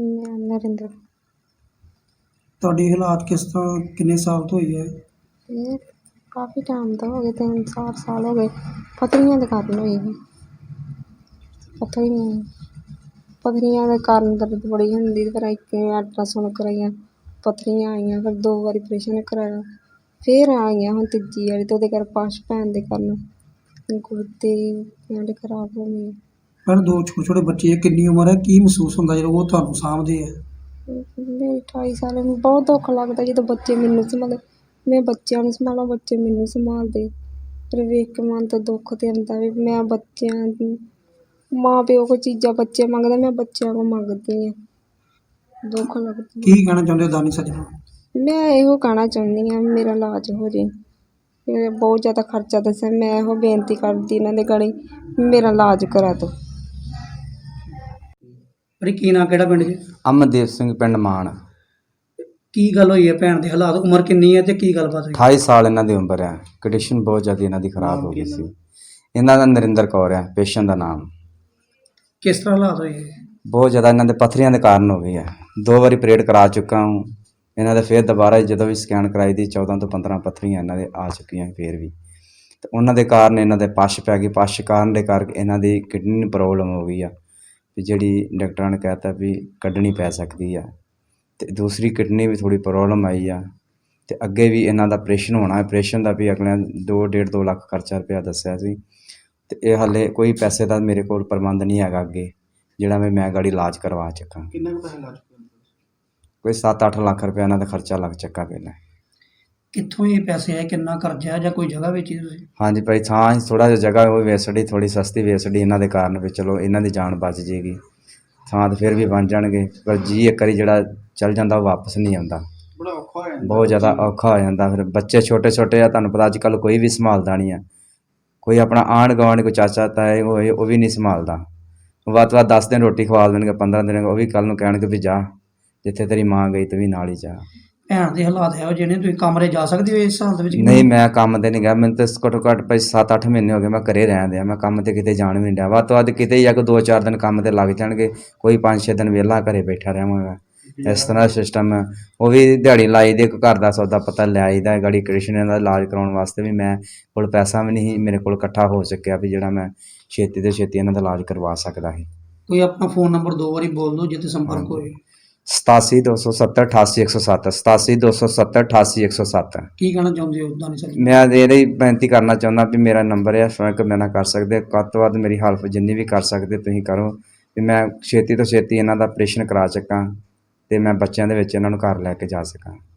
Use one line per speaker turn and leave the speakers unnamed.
ਮੈਂ ਨਰਿੰਦਰ।
ਤੁਹਾਡੀ ਹਾਲਾਤ ਕਿਸ ਤਰ੍ਹਾਂ ਕਿੰਨੇ ਸਾਲ ਤੋਂ ਹੋਈ ਹੈ?
ਇਹ ਕਾਫੀ ਟਾਈਮ ਤੋਂ ਹੋ ਗਏ, 3-4 ਸਾਲ ਹੋ ਗਏ। ਪੱਥਰੀਆਂ ਦੇ ਕਾਰਨ ਹੋਈ ਹੈ। ਪੱਥਰੀਆਂ ਦੇ ਕਾਰਨ ਦਰਦ ਬੜੀ ਹੁੰਦੀ। ਫਿਰ ਇੱਕ ਅਲਟਰਾਸਾਊਂਡ ਕਰਾਈਆਂ, ਪੱਥਰੀਆਂ ਆਈਆਂ। ਫਿਰ 2 ਵਾਰੀ ਆਪਰੇਸ਼ਨ ਕਰਾਇਆ, ਫਿਰ ਆਈਆਂ ਹੁਣ ਤੀਜੀ ਵਾਰੀ। ਅਤੇ ਉਹਦੇ ਕਰ ਪਸ਼ ਪੈਣ ਦੇ ਕਾਰਨ ਗੁਰਦੇ ਐਂਡ ਖਰਾਬ ਹੋ ਗਏ।
ਪਰ 2 ਛੋਟੇ ਛੋਟੇ ਬੱਚੇ, ਕਿੰਨੀ ਉਮਰ ਹੈ? ਕੀ ਮਹਿਸੂਸ ਹੁੰਦਾ ਜਦੋਂ ਉਹ ਤੁਹਾਨੂੰ ਸਾਂਭਦੇ ਹੈ?
ਮੇਰੀ 28 ਸਾਲ ਹੈ। ਬਹੁਤ ਦੁੱਖ ਲੱਗਦਾ ਜਦੋਂ ਬੱਚੇ ਮੈਨੂੰ ਸੰਭਾਲਦੇ। ਮੈਂ ਬੱਚਿਆਂ ਨੂੰ ਸੰਭਾਲਾਂ, ਬੱਚੇ ਮੈਨੂੰ ਸੰਭਾਲਦੇ। ਫਿਰ ਵੇਖ ਕੇ ਮਨ 'ਤੇ ਦੁੱਖ ਤਾਂ ਆਉਂਦਾ ਵੀ ਮੈਂ ਬੱਚਿਆਂ ਦੀ ਮਾਂ ਪਿਓ ਕੋਲ ਚੀਜ਼ਾਂ ਬੱਚੇ ਮੰਗਦੇ, ਮੈਂ ਬੱਚਿਆਂ ਕੋਲ ਮੰਗਦੀ ਹਾਂ। ਦੁੱਖ ਲੱਗਦਾ।
ਕੀ ਕਹਿਣਾ ਚਾਹੁੰਦੇ ਹੋ ਦਾਨੀ ਸੱਜਣੋਂ?
ਮੈਂ ਇਹੋ ਕਹਿਣਾ ਚਾਹੁੰਦੀ ਹਾਂ ਮੇਰਾ ਇਲਾਜ ਹੋ ਜਾਏ। ਬਹੁਤ ਜ਼ਿਆਦਾ ਖਰਚਾ ਦੱਸਿਆ। ਮੈਂ ਇਹੋ ਬੇਨਤੀ ਕਰਦੀ ਇਹਨਾਂ ਦੇ ਗਾੜੀ ਮੇਰਾ ਇਲਾਜ ਕਰਾ ਦਿਓ।
ਅਰੇ ਕੀ ਨਾਂ, ਕਿਹੜਾ ਪਿੰਡ ਜੀ?
ਅਮਨਦੀਪ ਸਿੰਘ, ਪਿੰਡ ਮਾਨ।
ਕੀ ਗੱਲ ਹੋਈ ਹੈ ਭੈਣ ਦੇ? ਹਾਲਾਤ, ਉਮਰ ਕਿੰਨੀ ਹੈ ਤੇ ਕੀ ਗੱਲਬਾਤ ਹੋਈ?
28 ਸਾਲ ਇਹਨਾਂ ਦੀ ਉਮਰ ਹੈ। ਕੰਡੀਸ਼ਨ ਬਹੁਤ ਜ਼ਿਆਦਾ ਇਹਨਾਂ ਦੀ ਖਰਾਬ ਹੋ ਗਈ ਸੀ। ਇਹਨਾਂ ਦਾ ਨਰਿੰਦਰ ਕੌਰ ਹੈ ਪੇਸ਼ੈਂਟ ਦਾ ਨਾਮ।
ਕਿਸ ਤਰ੍ਹਾਂ ਹਾਲਾਤ ਹੋਏ ਹੈ?
ਬਹੁਤ ਜ਼ਿਆਦਾ ਇਹਨਾਂ ਦੇ ਪੱਥਰੀਆਂ ਦੇ ਕਾਰਨ ਹੋ ਗਈ ਹੈ। 2 ਵਾਰੀ ਆਪਰੇਟ ਕਰਾ ਚੁੱਕਾ ਹੂੰ। ਇਹਨਾਂ ਦੇ ਫਿਰ ਦੁਬਾਰਾ ਜਦੋਂ ਵੀ ਸਕੈਨ ਕਰਾਈ ਦੀ 14 ਤੋਂ 15 ਪੱਥਰੀਆਂ ਇਹਨਾਂ ਦੇ ਆ ਚੁੱਕੀਆਂ ਫਿਰ ਵੀ। ਅਤੇ ਉਹਨਾਂ ਦੇ ਕਾਰਨ ਇਹਨਾਂ ਦੇ ਪਸ਼ ਪੈ ਗਈ। ਪਸ਼ ਕਾਰਨ ਦੇ ਕਰਕੇ ਇਹਨਾਂ ਦੀ ਕਿਡਨੀ ਨੂੰ ਪ੍ਰੋਬਲਮ ਹੋ ਗਈ ਆ, ਵੀ ਜਿਹੜੀ ਡਾਕਟਰਾਂ ਨੇ ਕਹਿ ਤਾ ਵੀ ਕੱਢਣੀ ਪੈ ਸਕਦੀ ਆ। ਅਤੇ ਦੂਸਰੀ ਕਿਡਨੀ ਵੀ ਥੋੜ੍ਹੀ ਪ੍ਰੋਬਲਮ ਆਈ ਆ। ਅਤੇ ਅੱਗੇ ਵੀ ਇਹਨਾਂ ਦਾ ਆਪਰੇਸ਼ਨ ਹੋਣਾ। ਆਪਰੇਸ਼ਨ ਦਾ ਵੀ ਅਗਲਿਆਂ 2 ਲੱਖ ਖਰਚਾ ਰੁਪਇਆ ਦੱਸਿਆ ਸੀ। ਅਤੇ ਇਹ ਹਾਲੇ ਕੋਈ ਪੈਸੇ ਦਾ ਮੇਰੇ ਕੋਲ ਪ੍ਰਬੰਧ ਨਹੀਂ ਹੈਗਾ ਅੱਗੇ, ਜਿਹੜਾ ਮੈਂ ਗਾੜੀ ਇਲਾਜ ਕਰਵਾ ਚੁੱਕਾ।
ਕਿੰਨਾ ਕੁ ਪੈਸਾ ਲੱਗ ਚੁੱਕਾ?
ਕੋਈ 7-8 ਲੱਖ ਰੁਪਇਆ ਇਹਨਾਂ ਦਾ ਖਰਚਾ ਲੱਗ ਚੁੱਕਾ ਪਹਿਲਾਂ।
ਕਿੱਥੋਂ ਇਹ ਪੈਸੇ ਆਏ? ਕਿੰਨਾ ਕਰਜ਼ਾ ਜਾਂ ਕੋਈ ਜਗ੍ਹਾ ਵੇਚੀ ਤੁਸੀਂ?
ਹਾਂਜੀ ਭਾਈ, ਥਾਂ ਥੋੜ੍ਹਾ ਜਿਹਾ ਜਗ੍ਹਾ ਉਹ ਵੇਚੜੀ, ਥੋੜ੍ਹੀ ਸਸਤੀ ਵੇਚੜੀ ਇਹਨਾਂ ਦੇ ਕਾਰਨ ਵੀ ਚਲੋ ਇਹਨਾਂ ਦੀ ਜਾਨ ਬਚ ਜਾਏਗੀ। ਥਾਂ ਤਾਂ ਫਿਰ ਵੀ ਬਣ ਜਾਣਗੇ, ਪਰ ਜੀ ਇੱਕ ਵਾਰੀ ਜਿਹੜਾ ਚੱਲ ਜਾਂਦਾ ਉਹ ਵਾਪਸ ਨਹੀਂ ਆਉਂਦਾ।
ਬੜਾ ਔਖਾ ਹੋ ਜਾਂਦਾ। ਬਹੁਤ
ਜ਼ਿਆਦਾ ਔਖਾ ਹੋ ਜਾਂਦਾ। ਫਿਰ ਬੱਚੇ ਛੋਟੇ ਛੋਟੇ ਆ, ਤੁਹਾਨੂੰ ਪਤਾ ਅੱਜ ਕੱਲ੍ਹ ਕੋਈ ਵੀ ਸੰਭਾਲਦਾ ਨਹੀਂ ਆ। ਕੋਈ ਆਪਣਾ ਆਂਢ ਗੁਆਂਢ, ਕੋਈ ਚਾਚਾ ਤਾਏ ਹੋਏ, ਉਹ ਵੀ ਨਹੀਂ ਸੰਭਾਲਦਾ। ਵੱਧ ਤੋਂ ਵੱਧ 10 ਦਿਨ ਰੋਟੀ ਖਵਾ ਦੇਣਗੇ, 15 ਦਿਨ ਉਹ ਵੀ ਕੱਲ੍ਹ ਨੂੰ ਕਹਿਣਗੇ ਵੀ ਜਾ, ਜਿੱਥੇ ਤੇਰੀ ਮਾਂ ਗਈ ਤੂੰ ਵੀ ਨਾਲ ਹੀ ਜਾ।
ਭੈਣ ਦੇ ਹਾਲਾਤ ਇਹੋ ਜਿਹੇ ਨੇ, ਤੁਸੀਂ ਕਮਰੇ ਜਾ ਸਕਦੇ ਹੋ ਇਸ ਹਾਲਤ ਵਿੱਚ?
ਨਹੀਂ, ਮੈਂ ਕੰਮ 'ਤੇ ਨਹੀਂ ਗਿਆ। ਮੈਨੂੰ ਤਾਂ ਘੱਟੋ ਘੱਟ ਭਾਈ 7-8 ਮਹੀਨੇ ਹੋ ਗਏ ਮੈਂ ਘਰੇ ਰਹਿਣ ਦਿਆਂ। ਮੈਂ ਕੰਮ 'ਤੇ ਕਿਤੇ ਜਾਣ ਵੀ ਨਹੀਂ ਡਿਆ। ਵੱਧ ਤੋਂ ਵੱਧ ਕਿਤੇ ਹੀ ਆ ਕੋਈ 2-4 ਦਿਨ ਕੰਮ 'ਤੇ ਲੱਗ ਜਾਣਗੇ, ਕੋਈ 5-6 ਦਿਨ ਵਿਹਲਾ ਘਰੇ ਬੈਠਾ ਰਹਾਂਗਾ। ਇਸ ਤਰ੍ਹਾਂ ਦਾ ਸਿਸਟਮ ਹੈ। ਉਹ ਵੀ ਦਿਹਾੜੀ ਲਾਈ ਦੇ, ਘਰ ਦਾ ਸੌਦਾ ਪਤਾ ਲੈ ਆਈਦਾ। ਗਾੜੀ ਕ੍ਰਿਸ਼ਨ ਦਾ ਇਲਾਜ ਕਰਾਉਣ ਵਾਸਤੇ ਵੀ ਮੈਂ ਕੋਲ ਪੈਸਾ ਵੀ ਨਹੀਂ ਮੇਰੇ ਕੋਲ ਇਕੱਠਾ ਹੋ ਸਕਿਆ ਵੀ ਜਿਹੜਾ ਮੈਂ ਛੇਤੀ ਤੋਂ ਛੇਤੀ ਇਹਨਾਂ ਦਾ ਇਲਾਜ ਕਰਵਾ ਸਕਦਾ ਸੀ।
ਕੋਈ ਆਪਣਾ ਫ਼ੋਨ ਨੰਬਰ 2 ਵਾਰੀ ਬੋਲ ਦਿਓ ਜਿੱਥੇ ਸੰਪਰਕ ਹੋਵੇ।
87-270-88-107 87-270-88-107।
ਕੀ ਕਹਿਣਾ ਚਾਹੁੰਦੇ ਹੋ ਦਾਨੀ ਸੱਜਣੋਂ?
ਮੈਂ ਇਹਦੀ ਬੇਨਤੀ ਕਰਨਾ ਚਾਹੁੰਦਾ ਵੀ ਮੇਰਾ ਨੰਬਰ ਹੈ, ਸੰਪਰਕ ਮੇਰੇ ਨਾਲ ਕਰ ਸਕਦੇ। ਵੱਧ ਤੋਂ ਵੱਧ ਮੇਰੀ ਹੈਲਪ ਜਿੰਨੀ ਵੀ ਕਰ ਸਕਦੇ ਤੁਸੀਂ ਕਰੋ, ਵੀ ਮੈਂ ਛੇਤੀ ਤੋਂ ਛੇਤੀ ਇਹਨਾਂ ਦਾ ਆਪਰੇਸ਼ਨ ਕਰਾ ਸਕਾਂ ਅਤੇ ਮੈਂ ਬੱਚਿਆਂ ਦੇ ਵਿੱਚ ਇਹਨਾਂ ਨੂੰ ਘਰ ਲੈ ਕੇ ਜਾ ਸਕਾਂ।